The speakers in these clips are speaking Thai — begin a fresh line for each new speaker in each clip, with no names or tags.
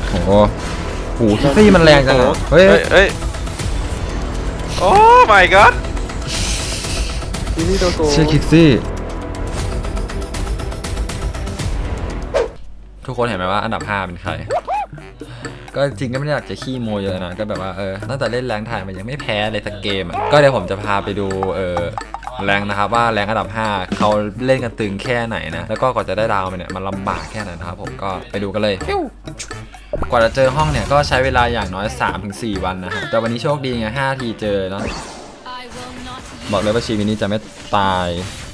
โอ้โหคิกซี่มันแรงจังอะเฮ้ย
โอ้ my god
ชื่อคิกซี่ทุกคนเห็นไหมว่าอันดับ5เป็นใครก็จริงก็ไม่ได้อยากจะขี้โมเยอะนะก็แบบว่าตั้งแต่เล่นแรงถ่ายมันยังไม่แพ้เลยสักเกมก็เดี๋ยวผมจะพาไปดูแรงนะครับว่าแรงอันดับ5เขาเล่นกันตึงแค่ไหนนะแล้วก็กว่าจะได้ดาวมันเนี่ยมันลำบากแค่ไหนนะครับผมก็ไปดูกันเลยกว่าจะเจอห้องเนี่ยก็ใช้เวลาอย่างน้อย 3-4 วันนะครับแต่วันนี้โชคดีไง5 ทีเจอเนาะบอกเลยว่าชีวิตนี้จะไม่ตาย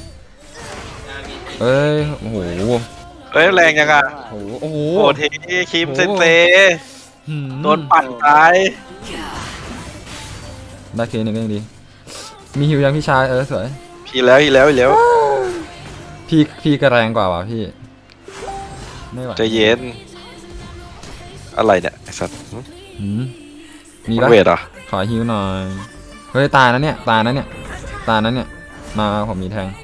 โอ้โห
แรงยังอ่ะ
โอ้โห
โอ้เทคิมเซนเซโดนปั่นตาย
ได้เคนึงก็ยังดีมีหิวยังพี่ชายสวย
พี่แล้ว
พี่ก็แรงกว่าว่ะพี่ไม่ไหว
ใจเย็นอะไรเนี่ยไอ้สัตว์
มีปะ
เวทอ่ะ
ขอหิวหน่อยเฮ้ยตายนะเนี่ยมาผมมีแทง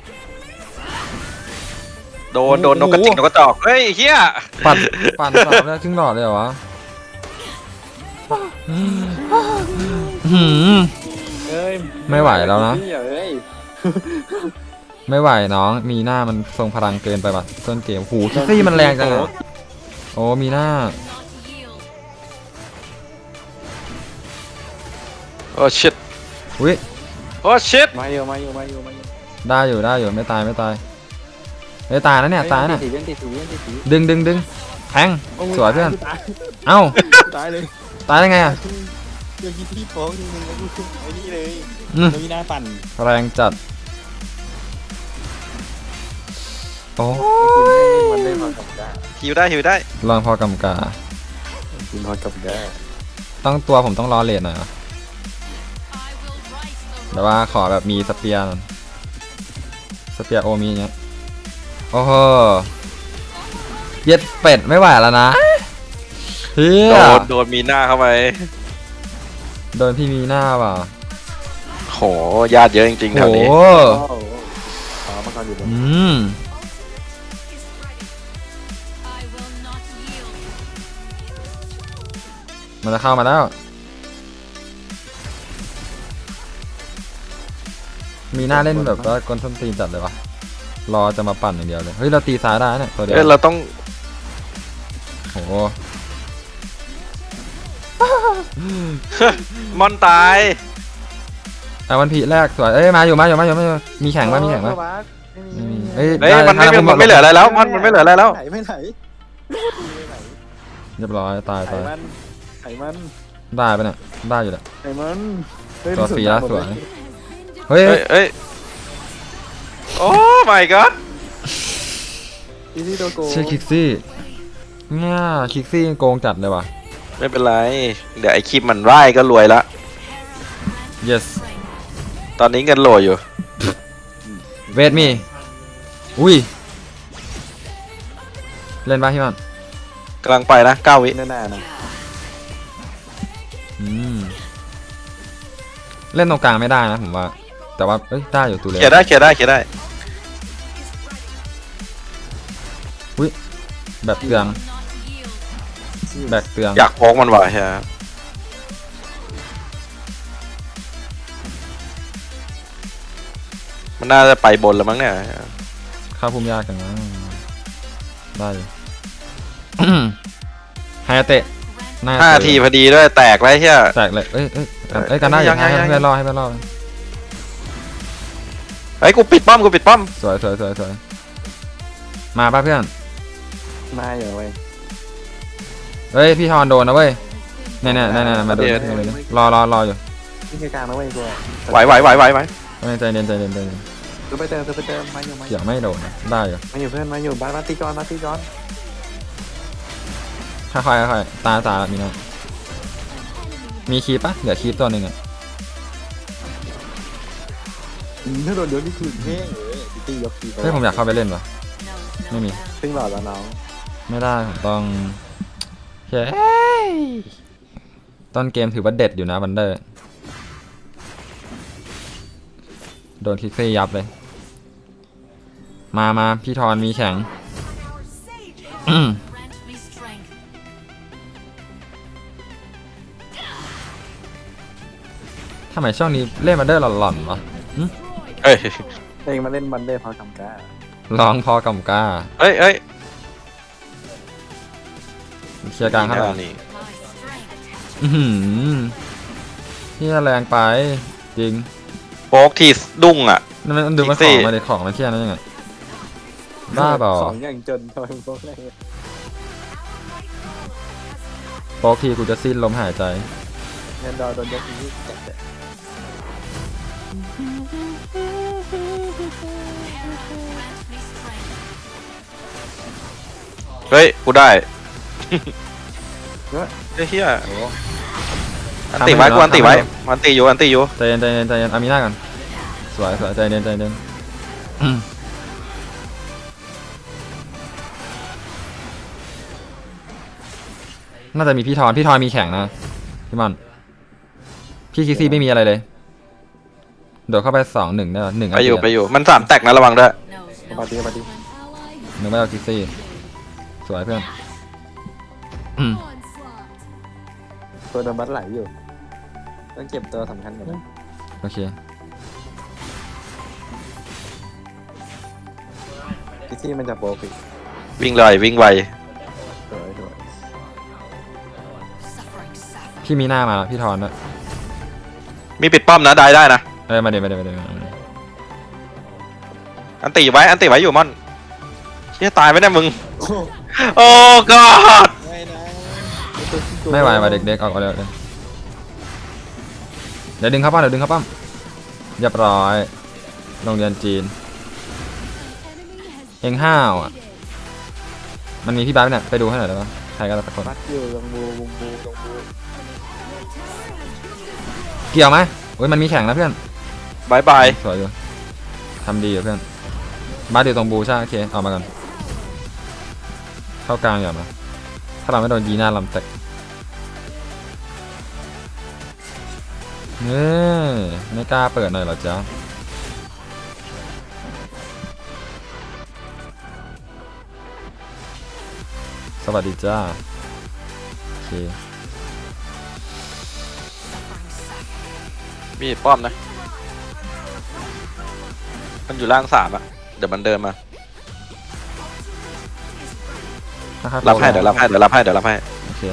โดนนกกระจิกนกกระจอกเฮ้ยเฮีย
ปั่นสามแล้วครึ่งหลอดเลยเหรอวะไม่ไหวแล้วนะไม่ไหวน้องมีหน้ามันทรงพลังเกินไปป่ะต้นเกมคิกซี่มันแรงจังอะโอ้มีหน้า
โอ้ชิต
อุ้ย
โอ้ชิต
มาอยู่
ได้อยู่ไม่ตายนะเนี่ยตายนะดึงแทงสวยเพื่อนเอ้า
ตายเลย
ตายได้ไงอะ
เดี๋ยวที่โป้งทีนึงแล้วกูไอ้นี่เลยมีหน้าปั่น
แรงจัดโอ้
มันได้พอกับได้
หิวได้
ลองพอกำกา
กินพอกับได้
ต้องตัวผมต้องรอเลทหน่อยแต่ว่าขอแบบมีสเปียร์โอมีเนี้ยโอ้โหเย็ดเป็ดไม่ไหวแล้วนะ
โดนมีหน้าเข้าไป
โดนพี่มีหน้าว่ะ
โหญาติเยอะจริงๆแถวนี้
มันจะเข้ามาแล้วมีหน้าเล่นแบบว่ากลส้นตีนจัดเลยวะรอจะมาปั่นอย่างเดียวเลยเฮ้ยเราตีซ้ายได้เนี่ยตัวเดียว
เราต้อง
โอ้
มอนตาย
มันผีแรกสวยมาอยู่มีแข่งป่ะ
มันไม่เหลืออะไรแล้วมันไม่เหลืออะไรแล้ว
ไม่ไหน
เรียบร้อยตาย
ไขมัน
ได้ปะเนี่ยได้อยู่แหละ
ไขมัน
ตัวฟรีแล้วสวย
เฮ้ยโอ้ my god
ชื่อคิกซี่เนี่ยคิกซี่โกงจัดเลยว่ะ
ไม่เป็นไรเดี๋ยวไอคิมมันไล่ก็รวยละ
yes
ตอนนี้เงินโหลอยู่
เวทมีอุ้ยเล่นป่ะพี่มัน
กำลังไปนะ9 วิ
แน่ๆนะ
เล่นตรงกลางไม่ได้นะผมว่าแต่ว่าได้อยู่ตัวเล็ก
เขียนได้
อุ้ยแบบเตือง
อยากโพกมันว่ะใช่ไหมมันน่าจะไปบนแล้วมั้งเนี่ย
ข้าพุ่มยากกันนะได้เลยไฮเตะ
5 ทีพอดีด้วยแตกเลยใช่
แตกเลยกันได้ให้เพื่อนรอ
กูปิดป้อม
สวยมาป่ะเพื่อน
มาอยู่เว้
ยพี่ทอนโดนนะเว้ยเนี่ยมาโดนรออยู่
ที่กลางนะเว้ยกู
ไหว
ใจเย็น
กูไปเติมมาอยู่
อย่าไม่โดนได้อยู่
มาอยู่เพื่อนมาอยู่บ้านตีก่อน
ค่อยตามีนะมีคีปปะเหลือคีปตัวหนึ่ง
ถ้าโดนเดี๋ยวนี่คือแห้งเลยตียกคีป
ผมอยากเข้าไปเล่นวะไม่มี
ซึ่งหลอดแล้วน้อง
ไม่ได้ผมต้องต้นเกมถือว่าเด็ดอยู่นะวันเดอร์โดนคิกซี่ยับเลยมาพี่ทอนมีแข็งทำไมช่วงนี้เล่นมาเดอร์หล่อนๆวะ
เอ้ย
เองมาเล่นบันเดอร์เขาทำก้า
ร้องพอกำก้า
เอ้ยเอ้ย
เคลียร์กลางข้างหลัง
นี่
อื้อหือที่แรงไปจริง
โป๊กทีดุ้งอ่ะ
นั่นมันดูมัน
จริ
ของ
งสิ
มาดิของมันเครียดนั่นยังไงบ้าเปล่า
ของอย่างจนทำไมมึงพวกอะไร
โป๊กทีกูจะสิ้นลมหายใจ
เงินดอโดนยกนี้จัดเลย
เฮ้ยกูได้
เฮ้ย
เฮ้ยเฮีย
โอ้
อันติไว้กูอันติไว้อันติอยู่อันติอยู่
ใจเย็นใจเย็นใจเย็นอามีหน้ากันสวยสวยใจเย็นใจเย็นน่าจะมีพี่ทอนมีแข่งนะพี่มันพี่คิกซี่ไม่มีอะไรเลยโดดเข้าไป2-1ได้ป่ะ1
ไปอยู่มัน3แตกนะระวังด้วย
ปาร์ตี้ปาร์ตี้
นึกไม่เอาคิกซี่สวยเพื่อนอืม
ตัวโดนบัตไหลอยู่ต้องเก็บตัวสำคัญก่อนนะ
โอเค
ที่มันจะโปรฟิก
วิ่งเลยวิ่งไว
สวยสวย
พี่มีหน้ามาแล้วพี่ทอนด้วย
มีปิดป้อมนะได้นะ
มาเดี๋ยว
อันติไว้อยู่ม่อนเฮียตายไหมเนี่ยมึงโอ้กอด
ไม่นะ
ไม่ไหวว่ะเด็กๆออกมาเลยเดี๋ยวดึงเข้าป้อมเรียบร้อยโรงเรียนจีนเองห้าวอ่ะมันมีพี่บ้าสเนี่ยไปดูให้หน่อยได้ปะใครก็ได้สักคน
บัตอยู่ตรงบูตรงบู
เกี่ยวไหมโอ้ยมันมีแข่งนะเพื่อน
บายบาย
สวยอยู่ทำดีอยู่เพื่อนบ้าสอยู่ตรงบูใช่โอเคเอามาก่อนเข้ากลางอย่ามาถ้าเราไม่โดนยีหน้าลำแตกไม่กล้าเปิดหน่อยเหรอจ๊ะสวัสดีจ้าโอเค
มีป้อมนะมันอยู่ล่าง3อ่ะเดี๋ยวมันเดินมา รับให้เดี๋ยวรับให้
โอเค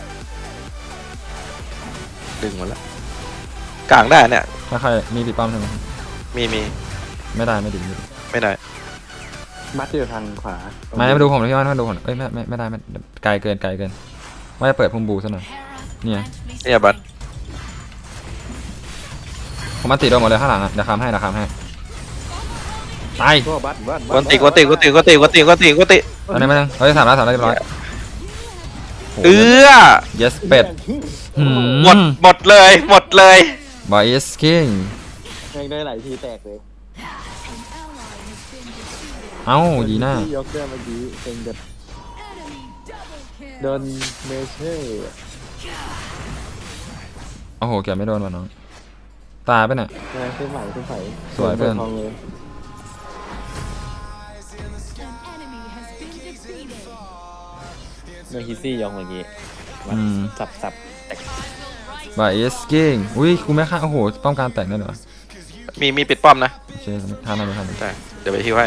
ดึงหมดแล้วกลางได้เนี่ย
ถ้าใครมีปีป้อมใช่ไหม
มี
ไม่ได้ไม่ดี
ไม่ได้
บัตอยู่ทางขวา
มาดูผมเลยพี่ว่ามาดูผมเอ้ยไม่ได้ไกลเกินว่าจะเปิดพุ่มบูซะหน่อยเนี่ย
เนี่ยบัต
ผมมาติดโดนหมดเลยข้างหลังอ่ะเดี๋ยวคำให้ตาย
ก็บัต
กวนติ
อันนี้ไม่ต้องเฮ้ย3 แล้วเรียบร้อย yes เป็ด
หมดเลย
บอยสกิ้ง
ยังได้หลายทีแตกเลย
เอ้ายีน่าย
กเสื้อเมื่อกี้เป็นแบบโดนเมเชอร์
โอ้โหเกือบไม่โดนว่ะน้องตายไปเนี่ย
ขึ้นใหม่
สวยเพื่อน
ทองเลย เมื่อคิซี่ยองเมื่อกี้สับบ
อยสกิ้งอุ้ยกูไม่ฆ่าโอ้โหป้องกันแตกได้เหรอ
มีปิดป้อมนะ
โอเคท่านั้น
แต่เดี๋ยวไปฮิวให้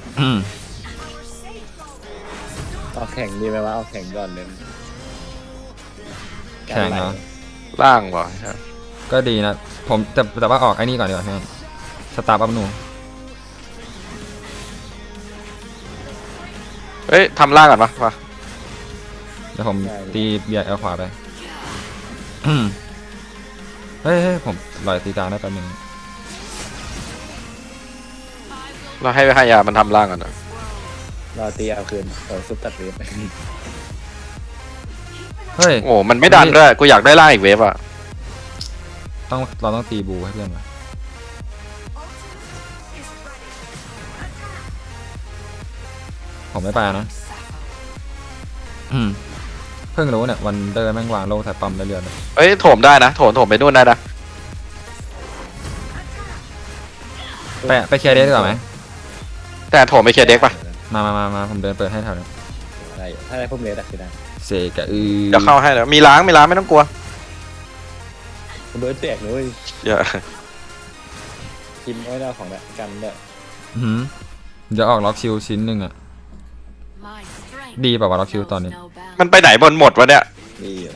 เอาแข่งดีไหมวะเอาแข่งก่อนเลย
แข่งเหรอ
ล่างบ่
ก็ดีนะผมแต่ว่าออกไอ้นี่ก่อนดีกว่าเพื่อนสตาร์บัพนู
เฮ้ยทำล่างก่อนปะ
เดี๋ยวผมตีเบียร์เอาขวาไปเฮ้ยผมลอยตีกลางได้แป๊บนึง
เราให้ยามันทำล่างก่อนนะ
รอตีเอาคืนซุปตัดเวฟ
เฮ้ย
โอ้มันไม่ดันด้วยกูอยากได้ล่างอีกเวฟอ่ะ
เราต้องตีบูให้เพื่อนมาผมไม่ไปนะเพิ่งรู้เนี่ยวันเดอร์แม่งวางโลใส่ปั๊มได้เรือนเลย
เอ้ยโถมได้นะโถมไปนู่นได้นะ
ไปเคลียร์เดสดีกว่าไหม
แต่โถมไปเคลียร์เด็กปะ
มาผมเดินเปิดให้แถวนี้
อะไรถ้าได้พุ่มเลสอะคือได้
เสกะ
เดี๋ยวเข้าให้เดี๋ยวมีล้างไม่ต้องกลัว
กเบิร์ดแตกเลย
เยอะ
กินไม่ได้ของแบบกันด้วย
หืมเดี๋ยวออกล็อกชิลชิ้นหนึ่งอะดีป่าวะล็อกชิลตอนนี้
มันไปไหนบนหมดวะเนี่ย
ดีอยู่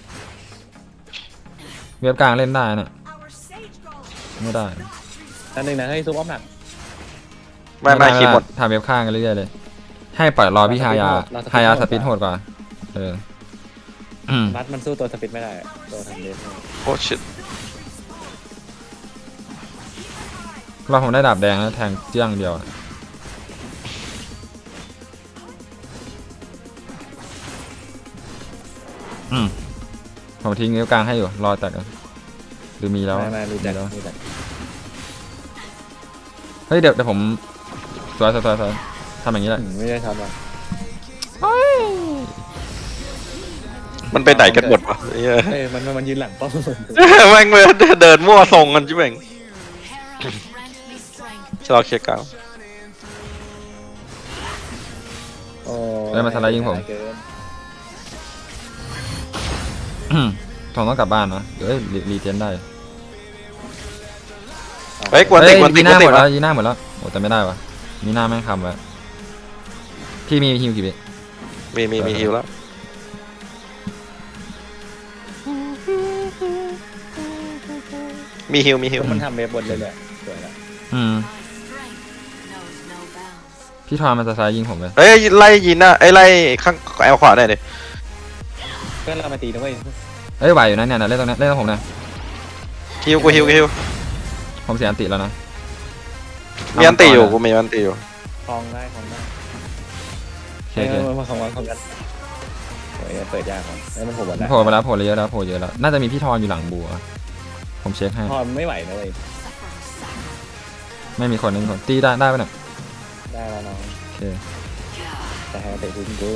เว็บกลางเล่นได้น่ะไม่ได้
อันหนึ่งนะให้ซุปอ้อมหนัก
ไม่คีย์หมด
ทำเว็บข้างกันเรื่อยๆเลย ให้ปล่อยรอพี่ฮายา
เราสปีด
ฮายา
โหด
สปีดโหดกว่าเอออืม
มัดมันสู้ตัวสปิดไม่ได้ตัวทำเล็บ
โอ้ชิต
เราผมได้ดาบแดงแล้วแทงเจี้ยงเดียวอะอืมผมทิ้งนิ้วกลางให้อยู่รอแตกกันหรือมีแล้ว
ไม่รู้จัก
แล้ว
รู้จัก
เฮ้ยเดี๋ยวผมสวยทำอย่างนี้แหละ
ไม่ได้ทำหรอก
มันไปไหนกันหมดวะเหี้ย
มันยืนหลังป้อม
แม่งเลยเดินมั่วทรงกันจิ๊บเองชะลอเคลียร์กลาง
โอ้
เอ้ยมาทลายยิงผม
เกิน
ผมต้องกลับบ้านนะเอ้ยรีเจนได้
เฮ้ยกวนติกวนติ
ยี
ก
หน้าหมด
วะ
แล้วยีหน้าหมดแล้วโอ้แต่ไม่ได้วะมีหน้าแม่งคำไว้พี่มีฮิวกี่วิ
มีฮิวแล้วมีฮิว
มันทำเว็บบนเลยแหละสวยแล้ว
พี่ทอนมันจะซ้ายยิงผมเลย
เฮ้ยไล่ยินนะไอ้ไล่ข้างแอลขวาได้ดิ
เพื่อนเรามาตีนะเว้ย
เอ้ยไหวอยู่นะเนี่ยเล่นตรงนี้เล่นตรงผมนะ
ฮิวกูฮิว
ผมเสียอันติแล้วนะ
มีอันตีอยู่กูมีอันตีอยู่
คลองได้คลองได้
โอเค
มาคลองกันโอ้ยเปิดยากของแล้วมันโผล่บนได้
โผล่ไปแล้วโผล่เยอะแล้วโผล่เยอะแล้วน่าจะมีพี่ทอนอยู่หลังบัวผมเช็คให้
พอไม่ไหวนะเว้ย
ไม่มีคนไม่มีคนตีได้ปะเนี่ย
ได้แล้วน้อง
โอเค
แต่ให้เตะทิ้งกู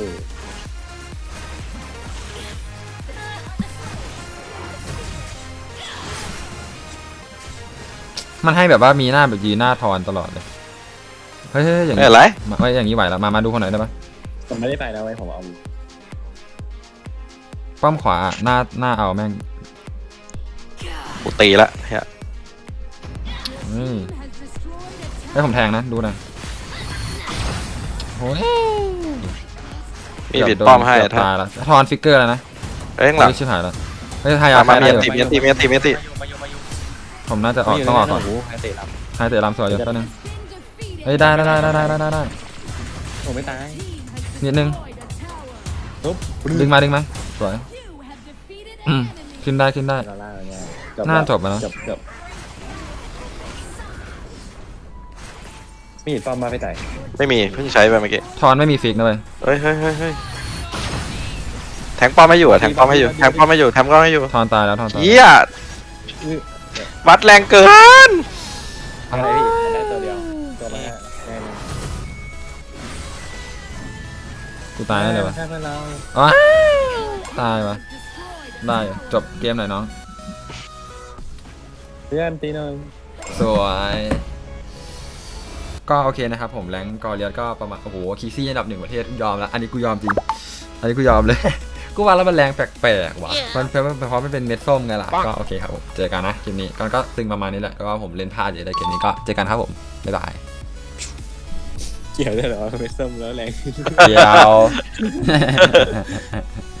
มันให้แบบว่ามีหน้าแบบยืนหน้าทอนตลอดเลยเฮ้ยอย่าง
ไม่
นี้
อะไร
เฮ้ยอย่างนี้ไหวแล้วมาดูคนไหนได้ปะ
ผมไม่ได้ไปนะเว้ยผมเอา
ป้อมขวาหน้าเอาแม่ง
กูตีละเฮีย
ให้ผมแทงนะดูนะโอ้ย
มีบิดป้อมให้
เกือบ
ถ้า
ตายแล้วทอนฟิกเกอร์แล้วนะ
เอ้ยข้างหลัง
ชิบหายแล้วเฮ้ยทายา
มา
ใช้
มี
ได้
อัน
อยู่
ตีมีอันตี
ผมน่าจะออกต้องออกก่อน
ให้เตะรับ
ให้เตะลำสวยอยู่แป๊บนึงเฮ้ยได้
ผมไม่ตาย
นิดนึง
ปุ๊บ
ดึงมาสวยขึ้นได้
เราล่าอะไรเงี้ย
น่าจบแล้วนะ
จบมีดป้อมมาไปไต่
ไม่มีเพิ่งใช้ไปเมื่อกี้
ทอนไม่มีฟิกนะเว้ย
เฮ้ยแทงป้อมไม่อยู่แทงป้อมไม่อยู่
ทอนตายแล้วทอนตาย
เฮียวัดแรงเกิน
อะไรพี่มันได้ตัวเดียวตัวมาแน่น
กูตายได้เลยวะ
แค่เพื่อนเรา
อ๋อตายวะได้อยู่จบเกมหน่อยน้อง
เพื่อนตีหน่อย
สวยก็โอเคนะครับผมแรงกอเลียสก็ประมาณโอ้โหคีซี่อันดับ 1ประเทศยอมแล้วอันนี้กูยอมจริงอันนี้กูยอมเลย กูว่าแล้วมันแรงแปลกๆว่ะมันเพราะมันเป็นเม็ดส้มไงล่ะก็โอเคครับผมเจอกันนะคลิปนี้ก็ตึงประมาณนี้แหละก็ว่าผมเล่นพลาดอยู่ในเกมนี้ก็เจอกันครับผมบ๊ายบาย
เกี่ยวได้เหรอไม่ส้มแล้วแรง
เดี๋ยว